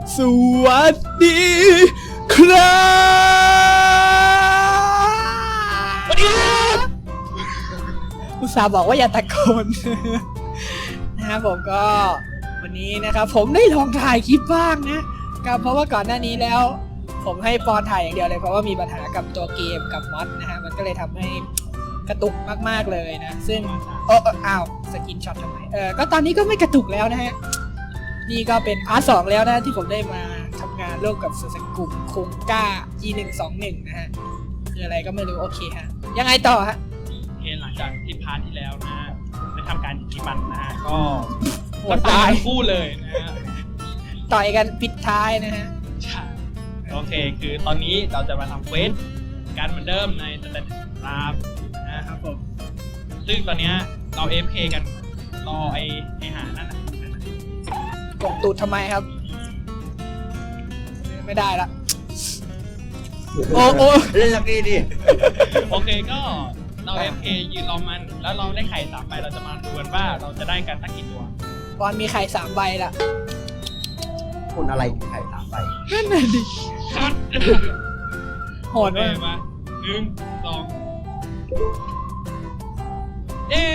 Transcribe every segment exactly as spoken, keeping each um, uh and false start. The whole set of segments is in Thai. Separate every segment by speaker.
Speaker 1: สวัสดีครับสวัสดีครับอุตส่าห์บอกว่าอย่าตะโกน นะครับผมก็วันนี้นะครับผมได้ลองถ่ายคลิปบ้างนะก็เพราะว่าก่อนหน้านี้แล้วผมให้ปอนถ่ายอย่างเดียวเลยเพราะว่ามีปัญหากับตัวเกมกับมอดนะฮะมันก็เลยทำให้กระตุกมากๆเลยนะซึ่งเอออ้าวสกินช็อตทำไมเออก็ตอนนี้ก็ไม่กระตุกแล้วนะฮะนี่ก็เป็นพาร์ทสองแล้วนะที่ผมได้มาทำงานร่วมกับสุสกุมคุงก้า อี หนึ่ง สอง หนึ่ง นะฮะคืออะไรก็ไม่รู้โอเคฮะยังไงต่อฮะ
Speaker 2: โอเคหลังจากที่พาร์ทที่แล้วนะได้ทำการยิงมันนะฮะก็
Speaker 1: โหดตาย
Speaker 2: คู่เลยนะฮะ
Speaker 1: ต่อยกันปิดท้ายนะฮะ
Speaker 2: ใช่โอเคคือตอนนี้เราจะมาทำเควสการเหมือนเดิมในสเตตราฟนะครับผมซึ่งตอนนี้เรา เอ เอฟ เค กันรอไอ้ไอ้หานั่นน่ะ
Speaker 1: กดตูดทำไมครับไม่ได้ละโอ้โอ้
Speaker 3: เล่นสักทีดิ
Speaker 2: โอเคก็เรา เอ เอฟ เค ยืนรอมันแล้วเราได้ไข่สามใบเราจะมาดูกันว่าเราจะได้กันสักกี่ตัว
Speaker 1: บอลมีไข่สามใบละ
Speaker 3: คุณอะไรไข่สามใบ
Speaker 1: นั่นน่ะดิโหดมาก
Speaker 2: มาหนึ่งสองเย้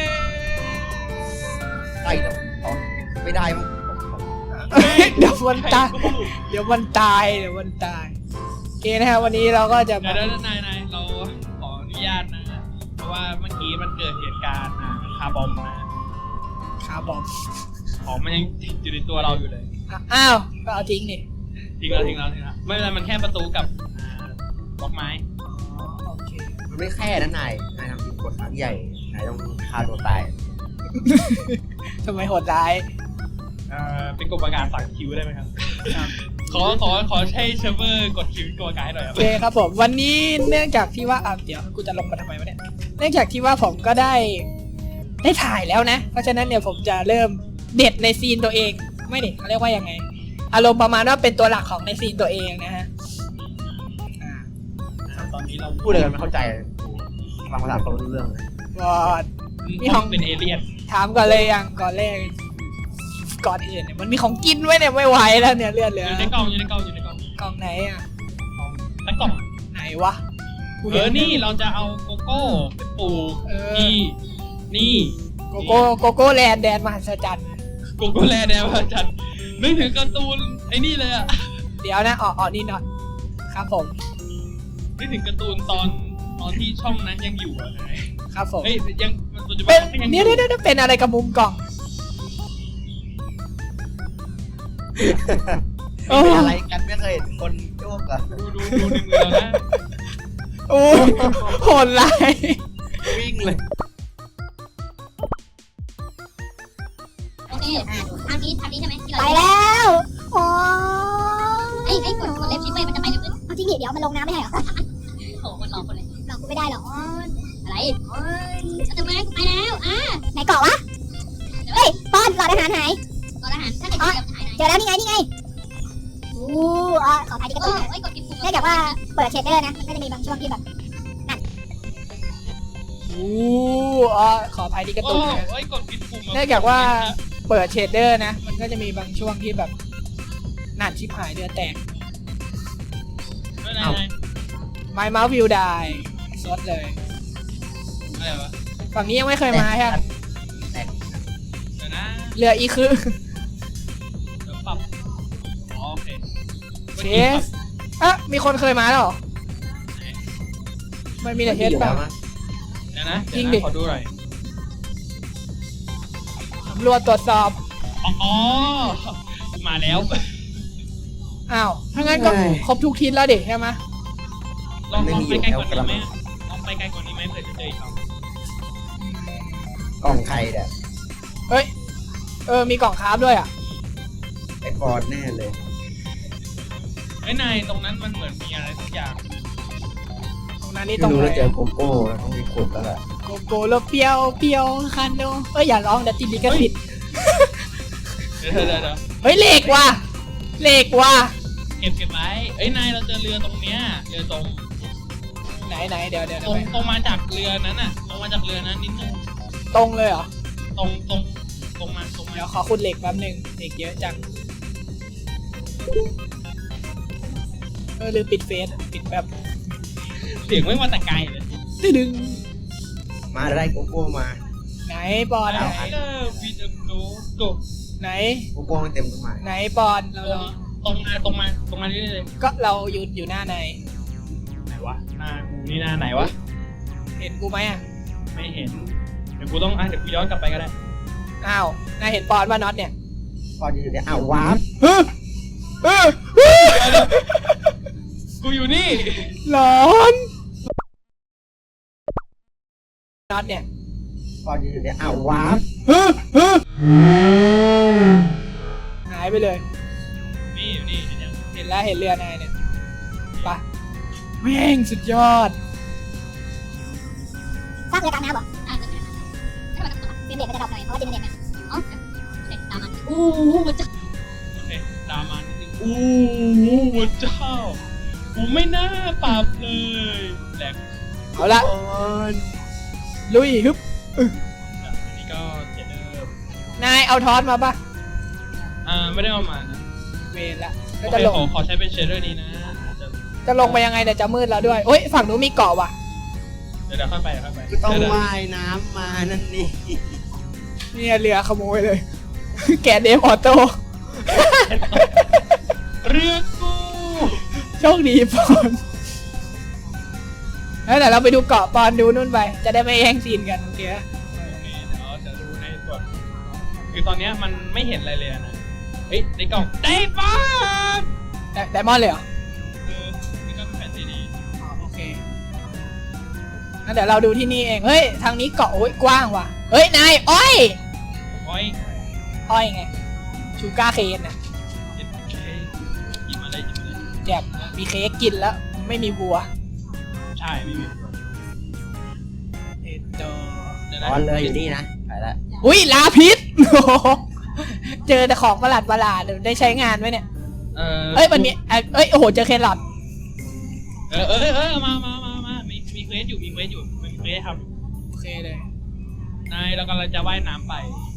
Speaker 3: ไข่แต่ไม่ได้มั้ง
Speaker 1: เดี๋ยวมันตายเดี๋ยวมันตายเดี๋ยวมันตายโอเคนะฮะวันนี้เราก็จะ
Speaker 2: เดี๋ยวนายนายเราขออนุญาตนะเพราะว่าเมื่อกี้มันเกิดเหตุการณ์นะคาร์บอมนะ
Speaker 1: คาร์บอม
Speaker 2: ของมันยังอยู่ในตัวเราอยู่เลย
Speaker 1: อ้าวก็เอาทิ้งนี่
Speaker 2: ทิ้งแล้วทิ้งแล้วทิ้งแล้วไม่เป็นไรมันแค่ประตูกับบล็อกไม้
Speaker 1: โอเค
Speaker 3: มันไม่แค่นั้นนายนายทำผิดกฎครั้งใหญ่นายต้องฆ่าตัวตาย
Speaker 1: ทำไมโหดร้าย
Speaker 2: เอ่อเป็นกฎประกาศสั่งคิวได้ไหมครับขอขอขอใช้เซิร์ฟเวอร์กดคิวกดกายหน่อยครับ
Speaker 1: โอเคครับผมวันนี้เนื่องจากที่ว่าอ่ะเดี๋ยวกูจะลงมาทำไมวะเนี่ยเนื่องจากที่ว่าผมก็ได้ได้ถ่ายแล้วนะเพราะฉะนั้นเนี่ยผมจะเริ่มเด็ดในซีนตัวเองไม่เด็ดเขาเรียกว่ายังไงอารมณ์ประมาณว่าเป็นตัวหลักของในซีนตัวเองนะฮะ
Speaker 2: ตอนนี้เรา
Speaker 3: พูดอะไรกันไม่เข้าใจฟังภาษาเขารู้เรื่องเลย
Speaker 1: บอด
Speaker 2: มีห้องเป็นเอเลี่ยน
Speaker 1: ถามก่อนเลยยังก่อนแรกก่อนอื่นเนี่ยมันมีของกินไว้เนี่ยไม่ไหวแล้วเนี่ยเลือดเหลือ
Speaker 2: อยู่ในกล่องอยู่ในกล่องอยู่ในกล่อง
Speaker 1: กล่องไหนอ่ะ
Speaker 2: ตั้งกล่อง
Speaker 1: ไหนวะ
Speaker 2: เออนี่เราจะเอาโกโก้ไปปลูกนี่นี่
Speaker 1: โกโก้โกโก้แลนด์แดนมหัศจรรย์
Speaker 2: โกโก้แลนด์แดนมหัศจรรย์นึกถึงการ์ตูนไอ้นี่เลยอ่ะ
Speaker 1: เดี๋ยวนะอ๋ออ๋อนี่หน่อยครับผม
Speaker 2: นึกถึงการ์ตูนตอนตอนที่ช่องนั้นยังอยู่อ่ะ
Speaker 1: ครับผม
Speaker 2: เฮ้ยยังปัจจุบั
Speaker 1: นยังเนี่ยเนี่ยเป็นอะไรกับมุมกล่อง
Speaker 3: เป็นอะไรกันไม่เคยเห็นคนโยกอะ
Speaker 2: ดูดูดูในมือเรานะ
Speaker 1: โอ้โหดร้าย
Speaker 3: วิ่งเลย
Speaker 4: โอเคทางนี้ทางนี้ใช่ไหมที่เรา
Speaker 5: ไปแล้วโอ้
Speaker 4: ไอ้ไอ้กดกดเล็บชิปเว้ยมันจะไปเร็วขึ้น
Speaker 5: เอาจริงดิเดี๋ยวมันลงน้ำไม่ได้เหรอ
Speaker 4: โอ้คนหลอกคนเลย
Speaker 5: หลอกกูไม่ได้หรอก
Speaker 4: อะไรจะทำไมกูไปแล้วอ่ะ
Speaker 5: ไหนเกาะวะเฮ้ยปอนหลอดอาหารหาย
Speaker 4: หลอดอาหารถ้าเกิดจะหาย
Speaker 5: เจอแล้วนี่ไงนี่ไงอู้อ๋อขอถ่ายดิกระตุ้น
Speaker 4: ไอ้กดกิน
Speaker 5: เนื่องจากว่าเปิดเชดเดอร์นะมันก็จะมีบางช่วงที่แบบนั่น
Speaker 1: อู้อ๋อขออภัยดิกระตุ้นนะเนื่องจากว่าเปิดเชดเดอร์นะมันก็จะมีบางช่วงที่แบบนั่นชิบหายเดือแตกไม้เมาส์วิวได้ซดเลย
Speaker 2: อะไรวะ
Speaker 1: ฝั่งนี้ยังไม่เคยมาใช่ไหมเหลืออีกคือเชสอ่ะมีคนเคยมาแล้วหรอไม่มีแต่เชสป่ะ
Speaker 2: เดี๋ยวนะจริงดิขอดูหน่อย
Speaker 1: ตำรวจตรวจสอบ
Speaker 2: อ๋อมาแล้ว
Speaker 1: อ้าวถ้างั้นก็ครบทุกทิศแล้วดิใช่ไหม
Speaker 2: ลองลองไปไกลกว่านี้ไหมลองไปไกลกว่านี้ไหมเผื่อจะเจออีกครับ
Speaker 3: กล่องไข่เนี่ย
Speaker 1: เฮ้ยเออมีกล่องคราฟด้วยอ่ะ
Speaker 3: ไอ้ปอนแน่เลย
Speaker 2: ไอ้นายตรงนั้นมันเหมือนมีอะไรสักอย่าง
Speaker 1: ตรงนั้นนี่ตรงไหน
Speaker 3: เจอโกโก้แล้วต้องมีขุดแล้วแหละ
Speaker 1: โกโก้แล้วเปียวเปียวคันโดเอ้ยอย่าร้องเดี๋ยวติดลิขสิทธิ์
Speaker 2: เดี๋ยวเดี๋ยวเดี๋ยว
Speaker 1: เฮ้ยเหล็กว่ะเหล็กว่ะ
Speaker 2: เก็บเก็บไว้เอ้ยนายเราเจอเรือตรงเนี้ยเรือตรง
Speaker 1: ไหนไหนเดี๋ยวเดี๋ยว
Speaker 2: ตรงตรงมาจากเรือนั้นน่ะตรงมาจากเรือนั้นนิดนึง
Speaker 1: ตรงเลยเหรอ
Speaker 2: ตรงตรงตรงมาตรงมา
Speaker 1: เดี๋ยวขอขุดเหล็กแป๊บนึงเหล็กเยอะจังเออลืมปิดเฟซปิดแบบ
Speaker 2: เสียงไม่มาแต่ไกลเลย
Speaker 1: ตึ้งดึง
Speaker 3: มาได้โกโก้มา
Speaker 1: ไหนปอนไหน
Speaker 2: เออวีดโกโก
Speaker 1: ไหน
Speaker 3: โกโก้มันเต็มต้นไม้
Speaker 1: ไหนปอนเรา
Speaker 2: ตรง
Speaker 1: เรา
Speaker 2: มาตรงมาตรงมาเรื่อยๆเลย
Speaker 1: ก็เราอยู่อยู่หน้าใน
Speaker 2: ไหนวะหน้ากูนี่หน้าไหนวะ
Speaker 1: เห็นกูไหมอ่ะ
Speaker 2: ไม่เห็นเดี๋ยวกูต้องอ่ะเดี๋ยวกูย้อนกลับไปก็ได้
Speaker 1: อ้าวนายเห็นปอนว่าน็อตเนี่ย
Speaker 3: พอดีเดี๋ยวอ้าววาร์ป
Speaker 1: เฮ้ยเฮ้ย
Speaker 2: กูอยู่นี่
Speaker 1: หลอนน็อตเนี่ย
Speaker 3: พอดีเดี๋ยวอ้าววาร์ป
Speaker 1: เฮ้ยเฮ้ยหายไปเลย
Speaker 2: นี่อยู่นี่เห็นยัง
Speaker 1: เห็นแล้วเห็นเรือนายเนี่ยไปะแม่งสุดยอด
Speaker 5: สร้างเรือตามน้ำเหรอ
Speaker 4: อ่าเกิดอะไรขึ้นถ้ามัน
Speaker 5: เฟรมเรทมันจะดรอปหน่อยเพราะว่าเจเนเรตเนี่ย
Speaker 4: อ๋อเด็กตามมันอู้หูมันจะ
Speaker 2: โอเคตามมานิดนึงโอ้โหหัวเจ้ากูไม่น่าปรับเลยแหลก
Speaker 1: เอาละลุยฮึบ
Speaker 2: อันนี้ก็เจ็ดเดิม
Speaker 1: นายเอาทอสมาปะ
Speaker 2: อ่าไม่ได้เอามานะ
Speaker 1: เวรละ
Speaker 2: โอ
Speaker 1: ก็
Speaker 2: เค
Speaker 1: จะลง
Speaker 2: ขอขอใช้เป็นเชดเดอร์นี้นะจะ
Speaker 1: จะลงไปยังไงเดี๋ยวจะมืดแล้วด้วยโอ้ยฝั่งนู้นมีเกาะว่ะ
Speaker 2: เดี๋ยวเดี๋ยวค่อยไปเดี๋ยวค่อยไป
Speaker 3: ก็ต้อง
Speaker 2: เดี๋ยว
Speaker 3: ว่ายน้ำมานั่นนี่
Speaker 1: เนี่ยเรือขโมยเลย แกะเดฟออโต้
Speaker 2: เรือกู
Speaker 1: โชคดีปอนแล้วเดี๋ยวเราไปดูเกาะปอนดูนู่นไป จะได้ไม่แย่งซีนกันโอเคปะ
Speaker 2: โอเคเดี๋ยวจะดูในส่วนคือตอนเนี้ยมันไม่เห็นอะไรเลยนะเฮ้ยในกล่องได้ปะ
Speaker 1: แต่ไดมอนด์เลยเหรอ
Speaker 2: คือนี่ก็เป็นแผ่นซีดี
Speaker 1: อ๋อโอเคงั้นเดี๋ยวเราดูที่นี่เอง เฮ้ย ทางนี้เกาะโอ้ยกว้างว่ะ เฮ้ย นาย อ้อย
Speaker 2: โอ้ย
Speaker 1: อ้อยไง ชูการ์เคนน่ะ
Speaker 2: เจ็ดเคหยิบมาเลยหยิบมาเลย
Speaker 1: แจกมีเค้กกินแล้ว ไม่มีบัว
Speaker 2: ใช่ไม่มี
Speaker 1: เอ็ดโต
Speaker 2: เดี๋ยว
Speaker 3: ต
Speaker 2: นะ
Speaker 3: อนเลยอยู่นี่นะไปละ
Speaker 1: อุ้ยลาพิษ โอ้โหเจอแต่ของประหลาดประหลาดๆได้ใช้งานไหมเนี่ย
Speaker 2: เออ
Speaker 1: เอ้ยมันมีเอ้ยเอ้ยโอ้โหเจอแครอท
Speaker 2: เออเออเออมามามามามีมีเควสอยู่มีเควสอยู่มีเควสทำอยู่
Speaker 1: โอเคเลย
Speaker 2: นายเรากำลังจะว่ายน้ำไป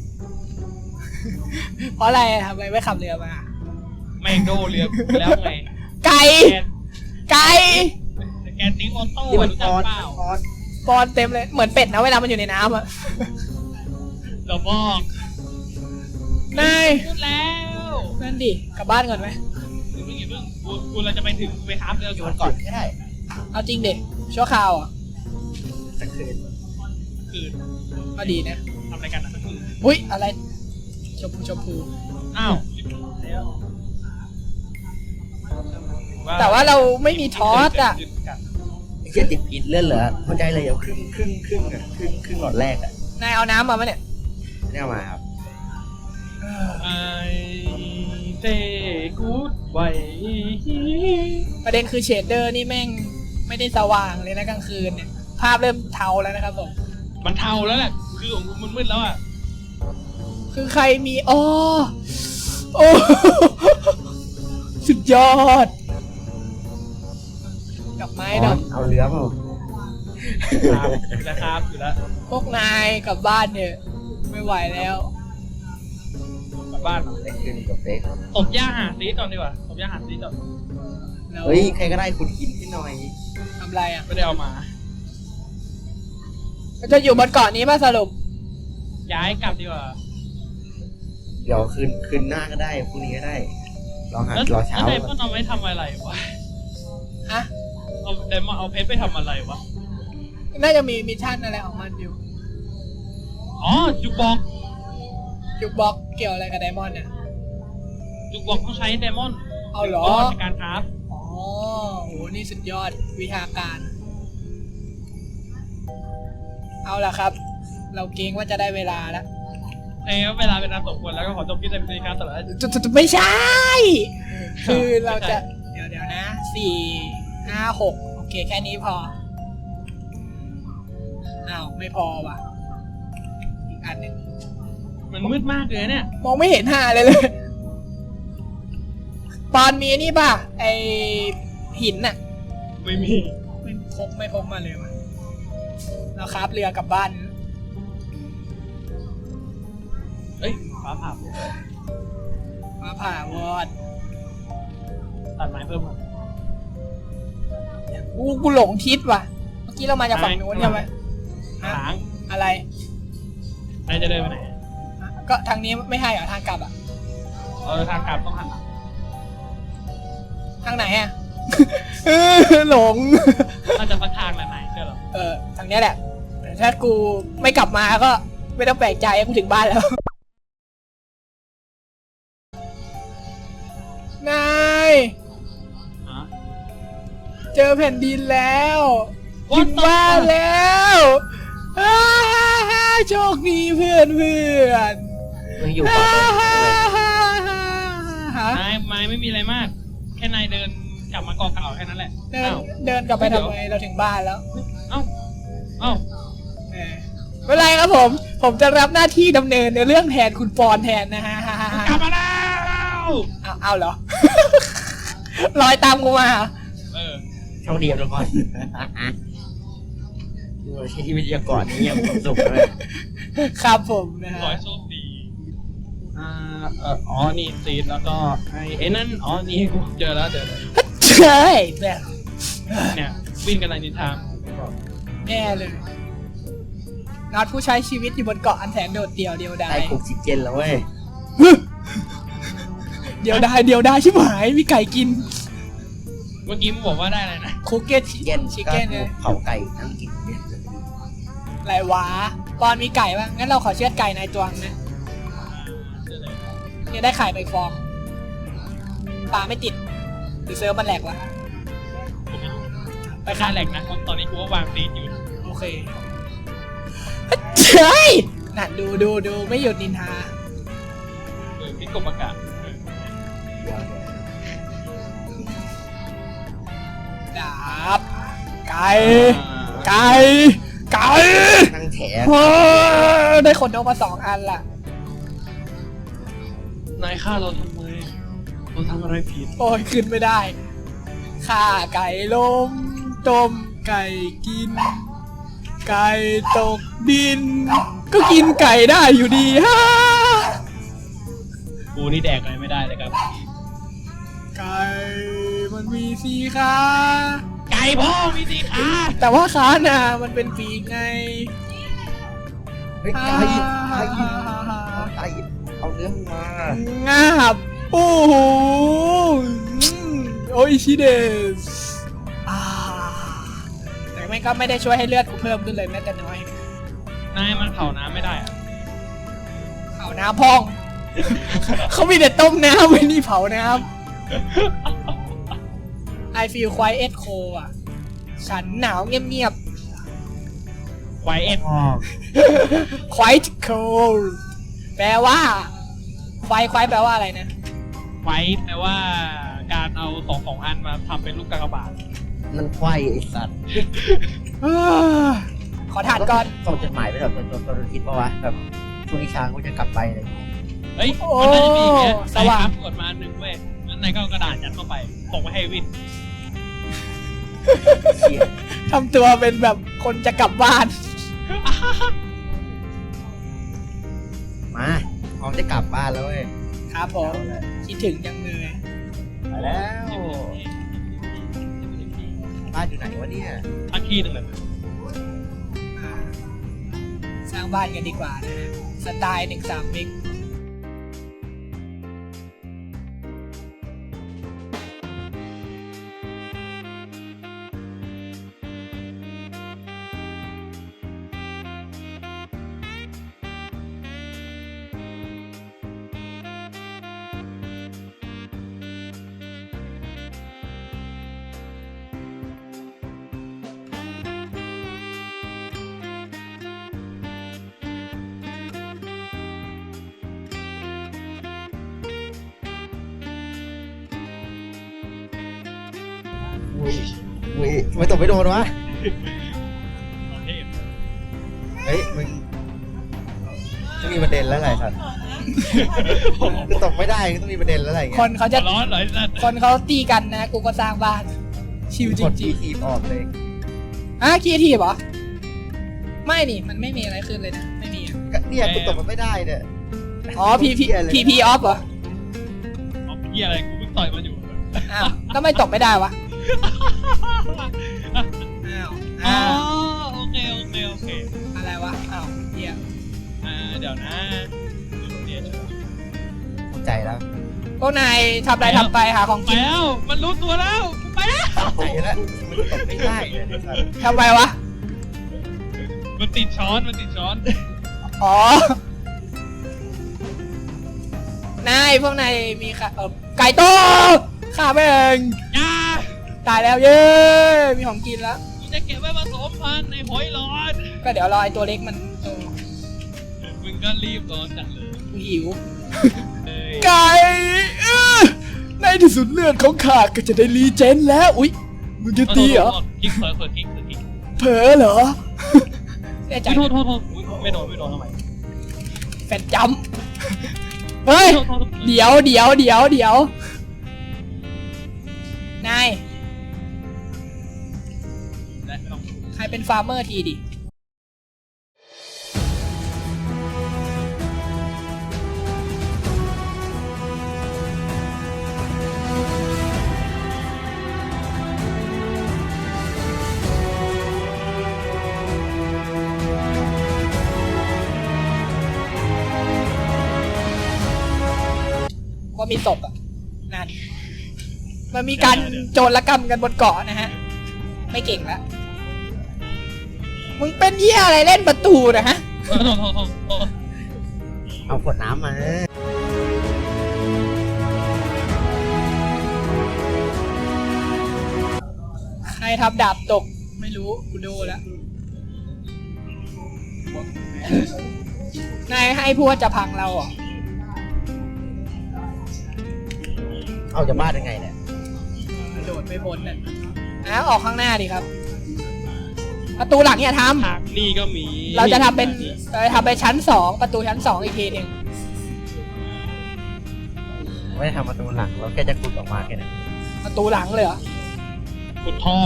Speaker 1: เพราะอะไรทำอะไรไม่ขับเรือมา
Speaker 2: แม่งโดเรือกูแล้วไง
Speaker 1: ไก่
Speaker 2: แก
Speaker 1: ไก่
Speaker 2: แกติ้งออโต้
Speaker 3: ที่มัน
Speaker 2: รู้
Speaker 3: ป
Speaker 2: จัก
Speaker 3: อน
Speaker 2: เปล่า
Speaker 3: ปอน
Speaker 1: ปอนเต็มเลยเหมือนเป็ดนะเวลามันอยู่ในน้ำอะ
Speaker 2: เราบอก
Speaker 1: นาย
Speaker 2: พูดแล้ว
Speaker 1: นั่นดิกลับบ้านก่อนไหม
Speaker 2: เดี๋ยวเพิ่งอย่าเพิ่งกูกูเราจะไปถึงไปคราฟเรือ
Speaker 3: อยู่มันก่อนก็ได้
Speaker 1: เอาจริงเด็ชั่วคราวอ่ะ
Speaker 3: สักคืน
Speaker 2: คืน
Speaker 1: ก็ดีนะ
Speaker 2: ทำอะไรกันอ่ะคืน
Speaker 1: อุ้ยอะไรชมพูชมพู
Speaker 2: อ้าว
Speaker 1: แต่ว่าเราไม่มีทอสอ่ะ
Speaker 3: ไอ้เชี่ยติดผิดเลื่อนเหรอเข้าใจเลยเดี๋ยวครึ่งครึ่งครึ่งอ่ะครึ่งครึ่งหลอดแรกอ่ะ
Speaker 1: นายเอาน้ำมาไหมเนี่ย
Speaker 3: ไม่เอามาครับ
Speaker 2: ไอเตกูดไว
Speaker 1: ประเด็นคือเชดเดอร์นี่แม่งไม่ได้สว่างเลยนะกลางคืนเนี่ย ภาพเริ่มเทาแล้วนะครับผม
Speaker 2: มันเทาแล้วแหละคือของกูมันมืดแล้วอ่ะ
Speaker 1: คือใครมีอ๋อโอ้ สุดยอดดอกไม้ดอก
Speaker 3: เอาเรือเปล่า
Speaker 2: ครับอยู่แล้วครับอยู่แล้ว
Speaker 1: พวกนายกลับบ้านเนี่ยไม่ไหวแล้ว
Speaker 2: กลับบ้านเหรอ
Speaker 3: ได้คืนกับเด็ก
Speaker 2: ตบย่าหาซีก่อนดีกว่าตบย่าหาซีก่อน
Speaker 1: แล้ว
Speaker 3: เฮ้ยใครก็ได้คุณกินให้หน่อย
Speaker 1: ทำไรอ่ะ
Speaker 2: ไม่ได้เอามา
Speaker 1: จะอยู่บนเกาะนี้ป่ะสรุป
Speaker 2: ย้ายกลับดีกว่า
Speaker 3: เดี๋ยวคืนคืนหน้าก็ได้พรุ่งนี้ก็ได้รอหา
Speaker 2: แล้ว
Speaker 3: รอเช้า
Speaker 2: แล้วไดมอนด์เอาไว้ทำอะไรวะ
Speaker 1: ฮะ
Speaker 2: เอาไดมอนด์เอาเพชรไปทำอะไรวะ
Speaker 1: น่าจะมีมิชชั่นอะไรของมันอยู่
Speaker 2: อ๋อจุกบอก
Speaker 1: จุกบล็อกเกี่ยวอะไรกับไดมอนด์เนี่ย
Speaker 2: จุกบอกต้องใช้ไดมอนด์
Speaker 1: เอาเหรอ
Speaker 2: ในการคราฟ
Speaker 1: อ๋อโห นี่สุดยอดวิชาการ เอาล่ะครับ เราเกรงว่าจะได้เวลาแล้ว
Speaker 2: เอ้ยเวลาเป็นอันสมควรแล้วก็ขอจบคลิปในในการสำหรับ
Speaker 1: จุดจุดไม่ใช่ คือเราจะ เดี๋ยวเดี๋ยวนะสี่ห้าหกโอเคแค่นี้พอ อ้าว ไม่พอว่ะ อีกอันหนึ่ง
Speaker 2: มันมืดมากเลยเนี่ย
Speaker 1: มองไม่เห็นหาเลยเลย ปอนมีนี่ป่ะ ไอหินน่ะ
Speaker 2: ไม่มี
Speaker 1: ไม่พกไม่พกมาเลยวะเราครับเรือกลับบ้าน
Speaker 2: เอ้ยฟ้าผ่า
Speaker 1: มาผ่าวอด
Speaker 2: ตัดไม้เพิ่มมา
Speaker 1: กูกูหลงทิศว่ะเมื่อกี้เรามาจากฝั่งนู้นใช่ไหม
Speaker 2: หาง
Speaker 1: อะไร
Speaker 2: นายจะเดินไปไหน
Speaker 1: ก็ทางนี้ไม่ให้เหรอทางกลับอ่ะ
Speaker 2: เออทางกลับต้องหันหลัง
Speaker 1: ทางไหนอ่ะ เออหลง
Speaker 2: น่าจะสักทางแหละนายเชื่อเหรอ
Speaker 1: เออทางเนี้ยแหละแต่ถ้ากูไม่กลับมาก็ไม่ต้องแปลกใจกูถึงบ้านแล้ว นาย
Speaker 2: ฮะ
Speaker 1: เจอแผ่นดินแล้ว
Speaker 2: What
Speaker 1: ถึง
Speaker 2: the
Speaker 1: บ้าน
Speaker 2: fuck?
Speaker 1: แล้วอ้าฮ่าฮ่าโชคดีเพื่อนเพื่อน
Speaker 3: มึงอยู่
Speaker 1: ฮ่า
Speaker 3: ก่อนเลย
Speaker 1: ฮ่าฮ่าฮ่าฮ่าน
Speaker 2: ายนายไม่มีอะไรมาก แค่นายเดินกลับมาเกาะเก่าแค่นั้นแหละ
Speaker 1: เดิน
Speaker 2: อ้าว
Speaker 1: เดินกลับไปทำไมเราถึงบ้านแล้ว
Speaker 2: เอ้าเอ้า
Speaker 1: เออไม่เป็นไรครับผม ผมจะรับหน้าที่ดำเนินในเรื่องแทนคุณปอนแทนนะฮะ
Speaker 2: กลับมาแล้ว
Speaker 1: เอาเอาเหรอ ลอยตามกูมาเหรอ
Speaker 2: เออ
Speaker 3: โชคดีครับทุกคนดูใช้ชีวิตอย่างก่อนนี่ยังมีความสุขเลย
Speaker 1: ครับผมนะฮะ
Speaker 2: ขอให้โชคดี อ่า เอออ๋อ นี่ซีดแล้วก็ไอ้ไอ้นั่น อ๋อ นี่กูเจอแล้วเจอแล้ว
Speaker 1: เฮ้ยแบบ
Speaker 2: เนี่ย วิ่งกันในนิทาน
Speaker 1: แน่เลยน็อตผู้ใช้ชีวิตอยู่บนเกาะอันแสนโดดเดี่ยวเดียวดา
Speaker 3: ได้
Speaker 1: ย
Speaker 3: ออกซิเจนแล้วเว้ย
Speaker 1: เดียวดายเดียวดายชิบหายมีไก่กิน
Speaker 2: เมื่อกี้มึงบอกว่าได้อะไรนะ
Speaker 1: คุกเก็ต
Speaker 3: เย็น
Speaker 1: ชิค
Speaker 3: ก็
Speaker 1: เก้นเนี่ย
Speaker 3: เผาไก่นั่งกินเนี่ย
Speaker 1: ไรวะปอนมีไก่บ้างงั้นเราขอเชือดไก่ในตัวนึงนะ
Speaker 2: อ่าเจอเลย
Speaker 1: เนี่ยได้ไข่ไปฟองปลาไม่ติดหรือเซิร์ฟมันแหลกวะ
Speaker 2: กูไม่รู้
Speaker 1: ไป
Speaker 2: ไป
Speaker 1: ฆ่า
Speaker 2: ฆ่า
Speaker 1: แห
Speaker 2: แห
Speaker 1: ล
Speaker 2: ล
Speaker 1: ก
Speaker 2: กนะตอนนี้กูว่าวางซีดอยู่
Speaker 1: โอเคเฮ้ยนั่นดูดูดูไม่หยุดนินทา
Speaker 2: เออพี่กบอากาศเออ
Speaker 3: เดี๋ยว
Speaker 1: ดาบไก่ไก่ไก่
Speaker 3: ๆนั่งแถ
Speaker 1: โอ้ยได้ขนนกมาสองอันล่ะ
Speaker 2: นายฆ่าเราทำไม เราทำอะไรผิด
Speaker 1: โอ้ยขึ้นไม่ได้ฆ่าไก่ล้มต้มไก่กิน ไก่ตกดิน ก็กินไก่ได้อยู่ดีฮ่า
Speaker 2: กูนี่แดกอะไรไม่ได้เลยครับ
Speaker 1: ไก่มันมีสีขา
Speaker 2: ไก่พ่อมีสีขา
Speaker 1: แต่ว่าขาน่ะมันเป็นปีกไง
Speaker 3: เฮ้ยไก่ไก่ไก่เอาเนื้อมึงมาง
Speaker 1: าบโอ้โหอืมโอ้ยชิเดสอ่าแต่แม่งก็ไม่ได้ช่วยให้เลือดกูเพิ่มขึ้นเลยแม้แต่น้อย
Speaker 2: นายมันเผาน้ำไม่ได้อะ
Speaker 1: เผาน้ำพอง เขามีแต่ต้มน้ำไม่นี่เผาน้ำ I feel quiet cold อ่ะ ฉันหนาวเงียบ
Speaker 2: ไวเอ็ด
Speaker 3: อ๋อ
Speaker 1: ๆ quiet cold แปลว่า ไฟควายแปลว่าอะไรนะ
Speaker 2: ไวแปลว่าการเอาสองสองอันมาทำเป็นลูกกากบาท
Speaker 3: มันควายไอสัตว์
Speaker 1: เอ้อขอทานก่อน
Speaker 3: ส่งจดหมายไปแบบจนจนคิดปะวะแบบช่วงนี้ช้างกูจะกลับไปอะไรอย่างเงี้ย
Speaker 2: เฮ้ย
Speaker 1: โอ้
Speaker 2: มันน่าจะมีอย่างเงี้ย
Speaker 1: สว่าง
Speaker 2: นายครับกดมาอันหนึ่งเว้ยงั้นนายก็เอากระดาษยัดเข้าไปส่งไปให้วิน
Speaker 3: เชี่ย
Speaker 1: ทำตัวเป็นแบบคนจะกลับบ้าน
Speaker 3: มาพร้อมจะกลับบ้านแล้วเว้ย
Speaker 1: ครับผม คิดถึงจังเลย
Speaker 3: ไปแล้วบ้านอยู่ไหนวะเนี่ย
Speaker 2: ทักที่หนึ่งเลย
Speaker 1: อ่าสร้างบ้านกันดีกว่านะฮะ สไตล์หนึ่งสามมิก
Speaker 3: อุ้ยอุ้ยทำไมตกไม่โดนวะ
Speaker 2: โอเค
Speaker 3: เฮ้ยมึงต้องมีประเด็นแล้วไงสัตว์คือตกไม่ได้ก็ต้องมีประเด็นแล้วอะไรเงี้ย
Speaker 1: คนเขาจะ
Speaker 2: ร้อนเหรอไอ้สัตว์
Speaker 1: คนเขาตีกันนะ กูก็สร้างบ้าน ชิวจ
Speaker 3: กด
Speaker 1: ริง
Speaker 3: ทีออกเลย
Speaker 1: ๆอ่ะคีทีเหรอ ไม่นี่ มันไม่มีอะไรขึ้นเลยนะ ไม่มีอะ
Speaker 3: ก็เนี่ยกูตกมันไม่ได้เนี่ย
Speaker 1: อ๋อ พีพี พีพีออฟเหรอ
Speaker 2: เอาเพี้ยอะไรกูเพิ่งต่อยมันอยู่
Speaker 1: อ้าวแล้วไม่ตกไม่ได้วะอ้าว
Speaker 2: อ๋อ
Speaker 1: อ้าว
Speaker 2: โอเคโอเคโอเค
Speaker 1: อะไรวะอ้าวเฮีย
Speaker 2: อ่าเดี๋ยวนะเดี๋ยว
Speaker 3: เข้าใจแล้ว
Speaker 1: พวกนายทำอะไรทำไปหาของ
Speaker 2: ไป
Speaker 1: กิน
Speaker 2: แล้วมันรู้ตัวแล้วไปแล้ว
Speaker 3: เข้าใจแล้วมันตกไม่ได้เลยเนี่ยสัตว์
Speaker 1: ทำไปวะ
Speaker 2: มันติดช้อนมันติดช้อน
Speaker 1: อ๋อ นายพวกนายมีค่ะเออไก่ต้มข้าแม่ง
Speaker 2: ยา
Speaker 1: ตายแล้วเย้ มีของกินแล้ว
Speaker 2: กูจะเก็บไว้ผสมพันธุ์ในหอยหลอด
Speaker 1: ก็เดี๋ยวรอไอตัวเล็กมันโต
Speaker 2: มึงก็รีบร้อนจังเลย
Speaker 1: กูหิว
Speaker 2: เอ้ย
Speaker 1: ไก่อื้อในที่สุดเลือดของข้าก็จะได้รีเจนแล้ว อุ๊ย มึงจะตีเหรอ
Speaker 2: คลิกเผลอเผลอคลิกเผลอคลิก
Speaker 1: เผลอเหรอแน่ใจ
Speaker 2: โทษโทษโทษอุ๊ยไม่โดนไม่โดนทำไม
Speaker 1: แฟนจำเฮ้ย
Speaker 2: โทษโทษโทษ
Speaker 1: เดี๋ยวเดี๋ยวเดี๋ยวเดี๋ยว นาย
Speaker 2: ได้ไม่ต้อง
Speaker 1: ใครเป็นฟาร์มเมอร์ทีดิ ว่ามีศพอ่ะ นั่น มันมีการโจรกรรมกันบนเกาะนะฮะ ไม่เก่งละ มึงเป็นเหี้ยอะไรเล่นประตูนะฮะ
Speaker 2: โทษโทษโทษโทษโทษ
Speaker 3: เอาขวดน้ำมา
Speaker 1: ใครทำดาบตก ไม่รู้ กูดูแล้ว นายให้พูดว่าจะพังเราเหรอ
Speaker 3: เอาจะบ้าได้ไงเนี่ย
Speaker 1: กระโดดไม่พ้นน่ะนะออกข้างหน้าดิครับ ประตูหลังอย่าท
Speaker 2: ทางนี่ก็มี
Speaker 1: ำเราจะทำเป็นเราจะทำไปชั้นสองประตูชั้นสองอีกทีหนึ่ง
Speaker 3: ไม่ได้ทำประตูหลังเราแค่จะขุดออกมาแค่นั้น
Speaker 1: ประตูหลังเลยเหรอ
Speaker 2: ขุดทอง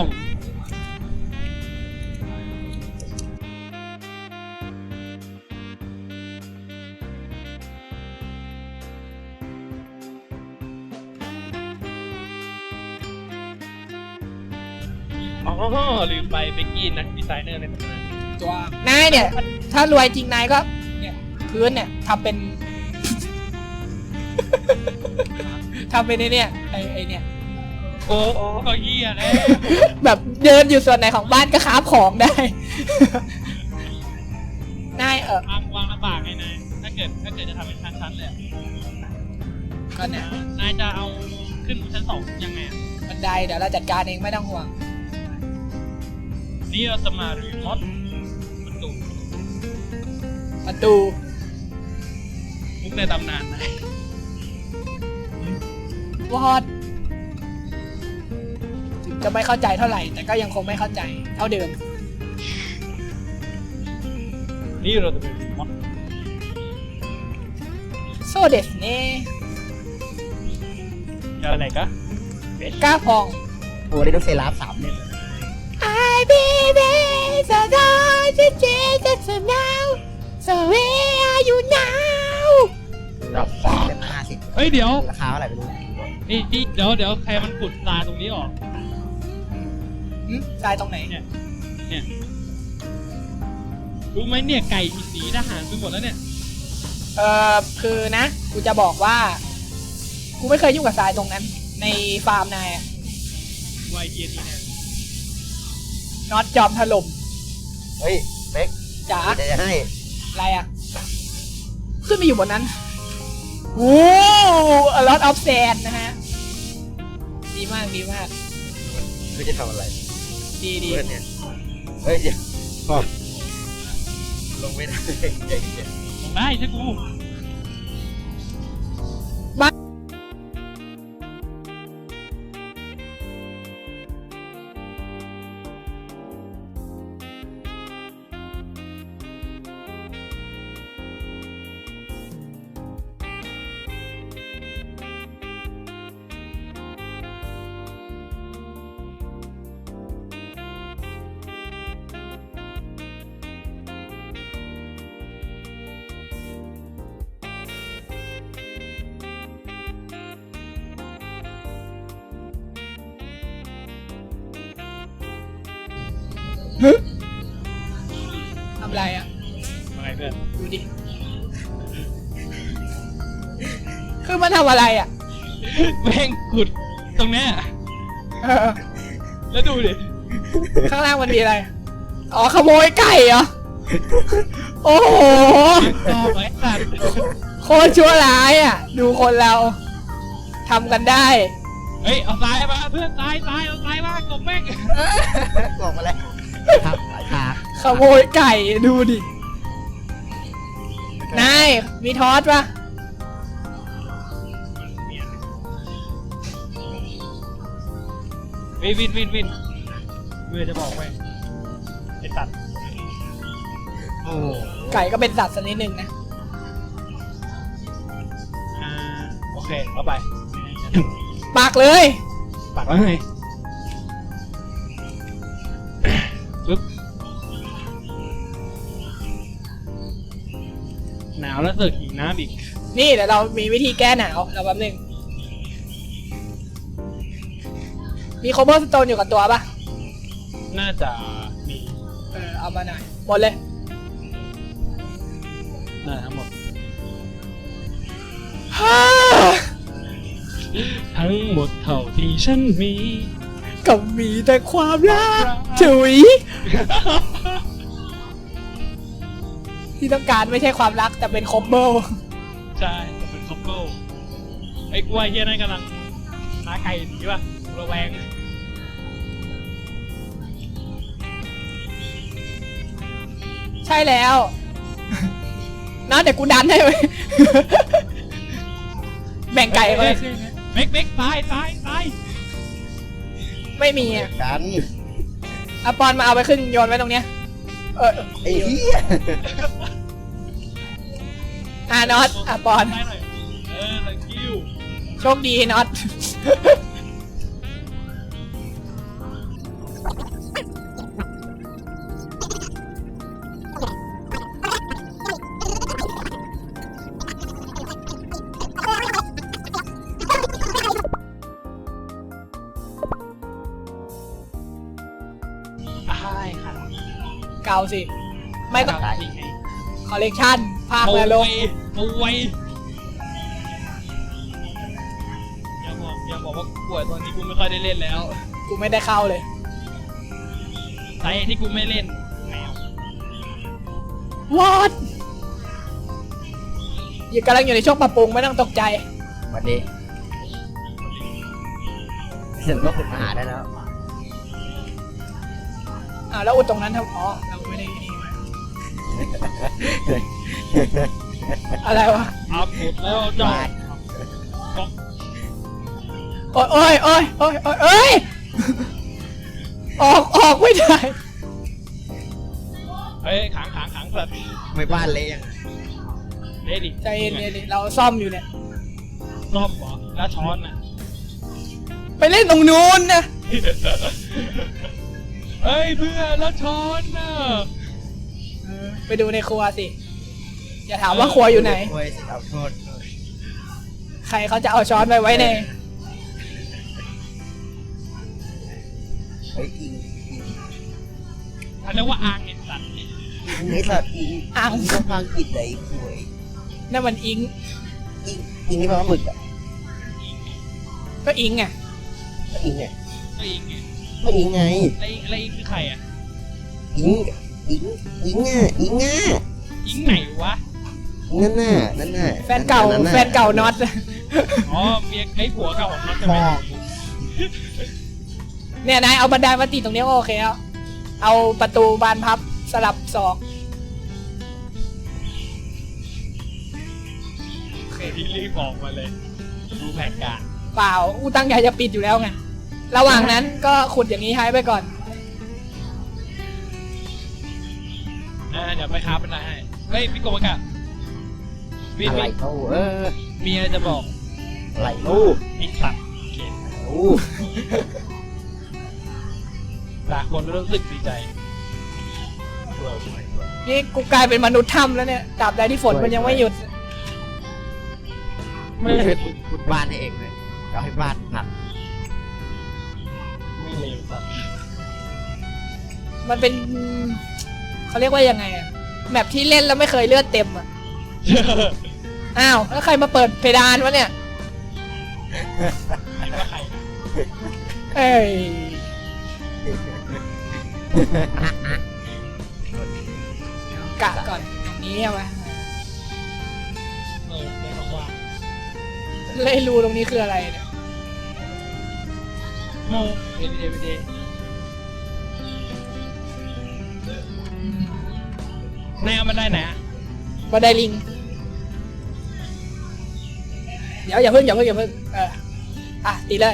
Speaker 2: อ๋อลืมไปเบกกี้นักดีไซเนอร์ในตำนาน
Speaker 1: ตัวนายเนี่ย ถ้ารวยจริงนายก็ เนี่ยพื้นเนี่ยทำเป็น ทำเป็นไอเนี่ยไอไอเนี่ย
Speaker 2: โอ้โอ้ก็เฮียแล้ว
Speaker 1: แบบเดินอยู่ส่วนไหนของบ้านก็ค้าของได้ นายเออ
Speaker 2: วางวางลำบากไงนายถ้าเกิดถ้าเกิดจะทำเป็นชั้นๆเลยอะ
Speaker 1: ก็เนี่ย
Speaker 2: นายจะเอาขึ้นชั้นสองยังไงอะ
Speaker 1: บันไดเดี๋ยวเราจัดการเองไม่ต้องห่วง
Speaker 2: นี่เราจะมารีมอดประตู
Speaker 1: ประตู
Speaker 2: มุกในตำนานนาย
Speaker 1: วอดถึงจะไม่เข้าใจเท่าไหร่ แต่ก็ยังคงไม่เข้าใจเท่าเดิม
Speaker 2: นี่เราจะเป็นรีมอด
Speaker 1: โซเดสเน่
Speaker 2: อะไรกะ
Speaker 1: กล้าพอง
Speaker 3: โอ้ได้ต้องเซราฟสามเนี่ย
Speaker 1: I baby so dark to Jesus now so where are you now
Speaker 3: ดอกเล่มห้าสิบ
Speaker 2: เฮ้ยเดี๋ยว
Speaker 3: ราคาเท่าไหร่ไม่รู้
Speaker 2: นี่นี่เดี๋ยวเดี๋ยวใครมันขุดตาตรงนี้ออก
Speaker 1: หึตายตรงไหน
Speaker 2: เนี่ย เนี่ย รู้ไหมเนี่ยไก่มีสีทหารไปหมดแล้วเนี่ย
Speaker 1: เอ่อคือนะ กูจะบอกว่า กูไม่เคยยุ่งกับทรายตรงนั้น ในฟาร์มนายอะ
Speaker 2: วายเทียนี่เนี่ย
Speaker 1: น็อตจอมถล่ม
Speaker 3: เฮ้ยเป๊ก
Speaker 1: จ๋า
Speaker 3: จะจะให้
Speaker 1: อะไรอะขึ้นมาอยู่บนนั้นโอ้ a lot of sand นะฮะ ดีมากดีมาก
Speaker 3: คือจะทำอะไร
Speaker 1: ดีดี
Speaker 3: เพื่อนเนี่ยเฮ้ยเดี๋ยวพอลงไม่ได้ใจเย็น
Speaker 2: ลงได้ใช่กู
Speaker 1: ทำไรอ่ะ
Speaker 2: อะไรเพื่อน
Speaker 1: ดูดิ คือมันทำอะไรอ่ะ
Speaker 2: แม่งขุดตรงเนี้ย
Speaker 1: เออ
Speaker 2: แล้วดูดิ
Speaker 1: ข้างล่างมันมีอะไร อ๋อขโมยไก่เหรอ โอ้โห
Speaker 2: ต่อไอ้สัตว์
Speaker 1: โคตรชั่วร้ายอ่ะ ดูคนเราทำกันได้
Speaker 2: เฮ้ยเอาทรายมาเพื่อนทรายทรายเอาทรายมากบแม่ง
Speaker 3: กล่องมาแล้วครับขา
Speaker 1: ขโมยไก่ดูดิ นาย มีทอสปะ
Speaker 2: วินวินวินวินเมื่อจะบอกไปไอ้สัตว์
Speaker 3: โอ้โห
Speaker 1: ไก่ก็เป็นสัตว์ชนิดหนึ่งนะ
Speaker 2: อ่าโอเคเอาไป
Speaker 1: ปากเลย
Speaker 2: ปักแล้วไงปึ๊บหนาวแล้วเสือกหิวน้ำอีก
Speaker 1: นี่เดี๋ยวเรามีวิธีแก้หนาว เราแป๊บนึง มีโคเบอร์สโตนอยู่กับตัวปะ
Speaker 2: น่าจะมี
Speaker 1: เออ เอามาหน่อย หมดเลย
Speaker 2: น่าทั้งหมด
Speaker 1: ฮ่า
Speaker 2: ทั้งหมดเท่าที่ฉันมี
Speaker 1: ก็มีแต่ความรักจุ๋ยที่ต้องการไม่ใช่ความรักแต่เป็นโคเบอร์
Speaker 2: ใช่จะเป็นคอมโบไอ้กล้วยเฮียนั่นกำลังหาไก่หนีป่ะระแวง
Speaker 1: ใช่แล้วน้าเดี๋ยวกูดันให้ไหม แบ่งไก่ไป
Speaker 2: เบกเบกตายตายตาย
Speaker 1: ไม่มีอ่ะ
Speaker 3: กัน
Speaker 1: อะปอนมาเอาไปขึ้นโยนไว้ตรงเนี้ย เออ
Speaker 3: ไอ้เหี้ย
Speaker 1: อ่ะน็อตอะปอน
Speaker 2: ตายหน่อยเออ thank you
Speaker 1: โชคดีน็อต
Speaker 2: ตายค่ะ
Speaker 1: เก่าสิ ไม่ต้อง
Speaker 2: ตายนี่ไง
Speaker 1: คอลเลกชันภาค
Speaker 2: ป่
Speaker 1: แล้วล
Speaker 2: ว
Speaker 1: ง
Speaker 2: ยป่วยอย่าบอกอย่าบอกว่าป่วยตอนนี้กูไม่ค่อยได้เล่นแล้ว
Speaker 1: กูไม่ได้เข้าเลย
Speaker 2: สาเหตุที่กูไม่เล่นแมว
Speaker 1: วอดอยู่กำลังอยู่ในช่วงปรับปรุงไม่ต้องตกใจ
Speaker 3: วันนี้เสร็จก็ขุดมาหาได้แล้ว
Speaker 1: อ่าแล้วอุดตรงนั้นทำอ๋อเราไม่ได้นี่มาอะไรวะ
Speaker 2: อัพหมดแล้วจ้าก็
Speaker 1: โอ้ยโอ้ยโอ้ยโอ้ยโอ้ยเอ้ย ออกออกไม่ได้
Speaker 2: เฮ้ยขังขังขังสัตว์
Speaker 3: ไม่บ้านเลยยัง
Speaker 2: เล่ดิ
Speaker 1: ใจเย็นๆดิเราซ่อมอยู่เนี่ย
Speaker 2: รอบเหรอแล้วช้อนน่ะ
Speaker 1: ไปเล่นตรงนู้นนะ
Speaker 2: เฮ้ยเพื่อนแล้วช้อนน่ะ
Speaker 1: เออไปดูในครัวสิ อย่าถามว่าครัวอยู่ไหน
Speaker 3: โอ้ยสิเอาโทษ
Speaker 1: ใครเขาจะเอาช้อนไปไว้ใน
Speaker 3: เฮ้ยอิงอิง
Speaker 2: อันนี้ว่าอ่างเห็นสัตว์
Speaker 3: อิงไอ้สัตว์อิง
Speaker 1: อ่าง
Speaker 3: อิงก็พังกิดไหนคุย
Speaker 1: นั่นมันอิง
Speaker 3: อิงอิงนี่แปลว่าหมึกอ่ะ
Speaker 1: ก็อิงไง
Speaker 3: ก็อิงไง
Speaker 2: ก็อิงไง
Speaker 3: ก็อิงไง
Speaker 2: แล้วอิงแล้วอิงคือใครอ่ะ
Speaker 3: อิงอิงอิงอ่ะอิงอ่ะ
Speaker 2: อิงไหนวะ
Speaker 3: นั่นน่ะนั่นน่ะ
Speaker 1: แฟนเก่า
Speaker 3: นั่นน่ะ
Speaker 1: แฟนเก่าน็อต
Speaker 2: อ๋อเมียไอ้ผัวเก่าของน็อตใช่ไหม
Speaker 3: พ่อ
Speaker 1: เนี่ยนายเอาบันไดมาติดตรงนี้ก็โอเคแล้ว เอาประตูบานพับสลับศอก
Speaker 2: โอเคที่รีบบอกมาเลย ดูแผนการ
Speaker 1: เปล่าอูตั้งใจจะปิดอยู่แล้วไง ระหว่างนั้นก็ขุดอย่างนี้ให้ไปก่อน
Speaker 2: อ่าเดี๋ยวไปค้าเป็นไรให้ เฮ้ยพี่โกมากะวิน
Speaker 3: อะไร
Speaker 2: วิน
Speaker 3: เขาเออ
Speaker 2: มีอะไรจะบอก
Speaker 3: อะไรลูก
Speaker 2: ไอ้สัตว์โอเค
Speaker 3: ลูก
Speaker 2: หลายคนรู้สึกดีใจ
Speaker 1: นี่กูกลายเป็นมนุษย์ถ้ำแล้วเนี่ยตราบใดที่ฝนมันยังไม่หยุด
Speaker 3: ไม่ได้ขุดขุดบ้านให้เองเลยเอาให้บ้านหนัก
Speaker 2: ไม่เลวสัตว์
Speaker 1: มันเป็นเขาเรียกว่ายังไงอะแมปที่เล่นแล้วไม่เคยเลือดเต็มอะอ้าวแล้วใครมาเปิดเพดานวะเนี่ย
Speaker 2: คิดว่าใคร
Speaker 1: เอ้ยกะก่อนตรงนี้ใช่ไหม
Speaker 2: เออเดี๋ยวบอกว่า
Speaker 1: เลยรูตรงนี้คืออะไรเนี่ย
Speaker 2: โมเอวีเดวีเดนายเอามาได้ไหนอะ
Speaker 1: บันไดลิง เดี๋ยวอย่าเพิ่งอย่าเพิ่งอย่าเพิ่งเอออ่ะตีเลย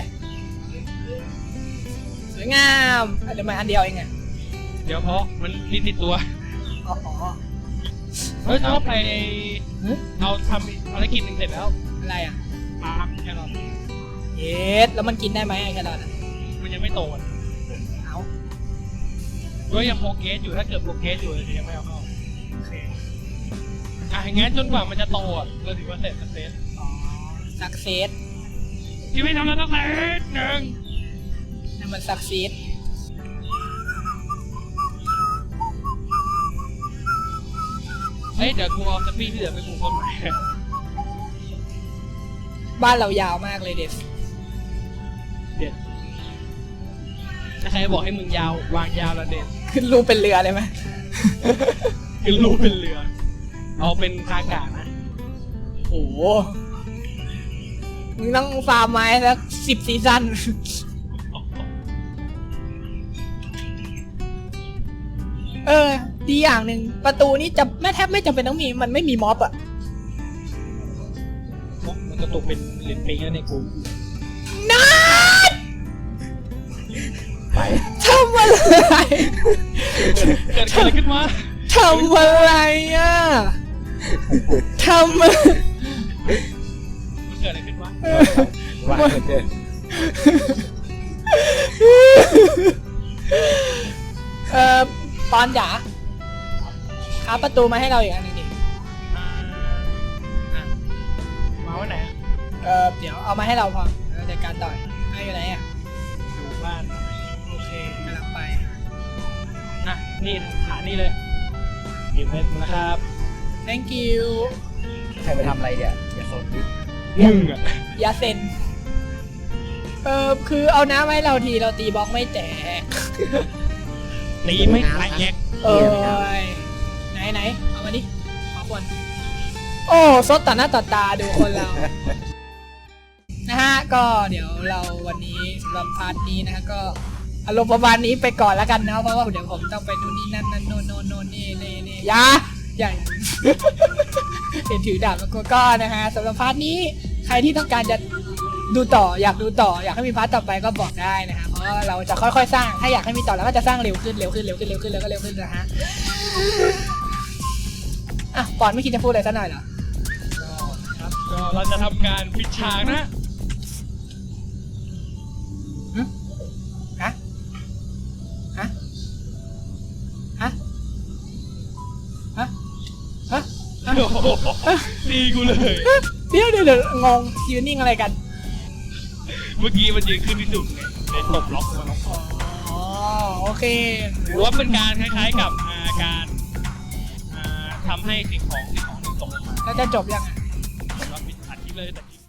Speaker 1: สวยงามอ่ะเดี๋ยวมาอันเดียวเองไง
Speaker 2: เดี๋ยวเพราะมันนิดติดตัว
Speaker 1: อ๋อ
Speaker 2: เฮ้ยชอบไป
Speaker 1: หึ
Speaker 2: เราทำภารกิจหนึ่งเสร็จแล้ว
Speaker 1: อะไรอ่ะ
Speaker 2: ปาล์มแครอท
Speaker 1: เย็ดแล้วมันกินได้ไหมไอ้แครอทอะ
Speaker 2: มันยังไม่โตอ่ะ
Speaker 1: เอา
Speaker 2: ก็ยังโปรเกรสอยู่ถ้าเกิดโปรเกรสอยู่เลยยังไม่เอาเข้า
Speaker 1: โอเค
Speaker 2: อ่ะงั้นจนกว่ามันจะโตอ่ะเราถือว่าเสร็จเสร็จ
Speaker 1: อ๋อสักเซส
Speaker 2: ที่ไม่ทำแล้วต้องเสร็จหนึ่ง
Speaker 1: นั่นมันสักเซส
Speaker 2: เฮ้ยเดี๋ยวกูเอาสปีดที่เหลือไปปลูกต้นไม้
Speaker 1: บ้านเรายาวมากเลยเด็ด
Speaker 2: เด็ดถ้าใครบอกให้มึงยาววางยาวแล้วเด็ด
Speaker 1: ขึ้นรูปเป็นเรือเลยไหม
Speaker 2: คือรูปเป็นเรือ เอาเป็นคากานะ
Speaker 1: โอ้โหมึงต้องฟาร์มไม้สักสิบซีซั่น เออ ดีอย่างหนึ่งประตูนี้จะไม่แทบไม่จำเป็นต้องมีมันไม่มีม็อบอะ
Speaker 2: มันจะตกเป็นเหรียญปิงแล้วในกู
Speaker 1: นัด
Speaker 3: ไป
Speaker 1: ทำอะไร
Speaker 2: เกิดอะไรขึ้นมา
Speaker 1: ทำอะไรอะทำอะไร
Speaker 2: มันเกิดอะไรขึ้นวะ
Speaker 3: ว่าเกิน
Speaker 1: เออปอนจ๋าหาประตูมาให้เราอีกอันหนึงดิ
Speaker 2: อ่าอ่ะมาวันไหนอะ
Speaker 1: เออเดี๋ยวเอามาให้เราพอเราจัดการต่อยให้อยู่ไหนอะ
Speaker 2: อยู่บ้าน
Speaker 1: โอเคกำลังไป
Speaker 2: อ่ะนี่ฐานนี่เลยหยิบเพชรนะครับ
Speaker 1: thank you
Speaker 3: ใครไปทำอะไรเนี่ยอย่าสนดิ
Speaker 2: มึงอ่ะ
Speaker 1: ยาเซนเออคือเอาน้ำให้เราทีเราตีบล็อกไม่แตก
Speaker 2: ตีไม่แตก
Speaker 1: เอ้ยไหนไหนเอามาดิขอบอลโอ้ซดต่อหน้าต่อตาดูคนเรา นะฮะก็เดี๋ยวเราวันนี้สำหรับพาร์ทนี้นะฮะก็อารมณ์ประมาณนี้ไปก่อนแล้วกันนะเพราะว่าเดี๋ยวผมต้องไปนู่นนี่นั่นนั่นโน่นโน่นโน่นนี่นี่นี่อยาอย่า เห็นถือดาบแล้วก็ก็นะฮะสำหรับพาร์ทนี้ใครที่ต้องการจะดูต่ออยากดูต่ออยากให้มีพาร์ทต่อไปก็บอกได้นะฮะเพราะว่าเราจะค่อยๆสร้างถ้าอยากให้มีต่อเราก็จะสร้างเร็วขึ้นเร็วขึ้นเร็วขึ้นเร็วขึ้นแล้วก็เร็วขึ้นนะฮะอ่ะปอนไม่คิดจะพูดอะไรสักหน่อยเหรอ
Speaker 2: ครับก็เราจะทำการปิดฉากนะ
Speaker 1: ฮะฮะฮะฮะฮะ
Speaker 2: โอ้โหตีกูเลย
Speaker 1: เดี๋ยวเดี๋ยวเดี๋ยวงงยืนนิ่งอะไรกัน
Speaker 2: เมื่อกี้มันยืนขึ้นที่สุดไงเลยตบล็อกมันล็อกคอ
Speaker 1: อ๋อโอเค
Speaker 2: หรือว่าเป็นการคล้ายๆกับอ่าการอ่าทำให้สิ่งของสิ่งของหนึ่งตกลงมา
Speaker 1: แล้วจะจบยังไง
Speaker 2: เราปิดอัดคลิปเลยแต่คลิป